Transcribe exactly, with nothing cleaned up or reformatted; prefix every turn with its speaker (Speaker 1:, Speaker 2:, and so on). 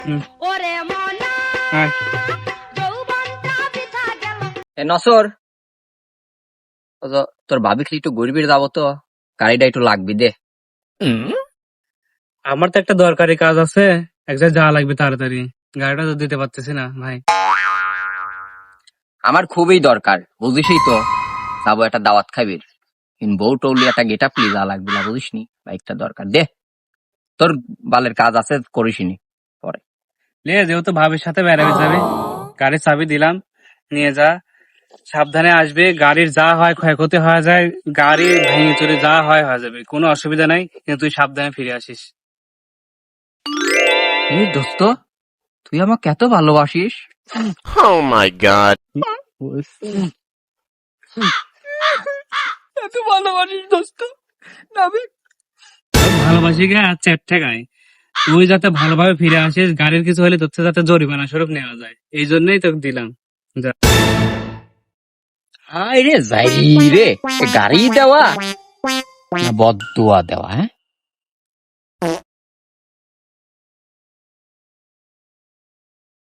Speaker 1: নসর তোর ভাবি একটু গরিবের যাবো তো, গাড়িটা একটু লাগবি দে।
Speaker 2: আমার তো একটা দরকারি কাজ আছে, এক জায়গায় যাওয়া লাগবে তাড়াতাড়ি, গাড়িটা তো দিতে পারতেছি না ভাই।
Speaker 1: আমার খুবই দরকার, বুঝিসই তো, যাবো একটা দাওয়াত খাবি, বউ টৌলি একটা গেট আপ যা লাগবে না, বুঝিস নি, বাইকটা দরকার দে, তোর বালের কাজ আছে করিসনি পরে।
Speaker 2: লে যেহেতু ভাবির সাথে বেড়াবে যাবে, গাড়ির চাবি দিলাম, নিয়ে যা, সাবধানে আসবে, গাড়ির যা হয় ক্ষয়ক্ষতি হয়ে যায়, গাড়ি ভেঙে চলে যা হয় হয়ে যাবে, কোনো অসুবিধা নাই, কিন্তু তুই সাবধানে ফিরে আসিস।
Speaker 1: এই দোস্ত, তুই আমাকে এত ভালোবাসিস?
Speaker 3: Oh my god.
Speaker 1: এত ভালোবাসিস দোস্ত?
Speaker 2: ভালোবাসি গে আর চারটে গায়ে, তুই যাতে ভালোভাবে ফিরে আসিস, গাড়ির কিছু হলে তোর থেকে যাতে জরিমানা স্বরূপ নেওয়া যায়, এই জন্যই তোকে দিলাম। যা।
Speaker 1: হায় রে যাই রে, গাড়ি দেওয়া না বদুয়া দেওয়া? হ্যাঁ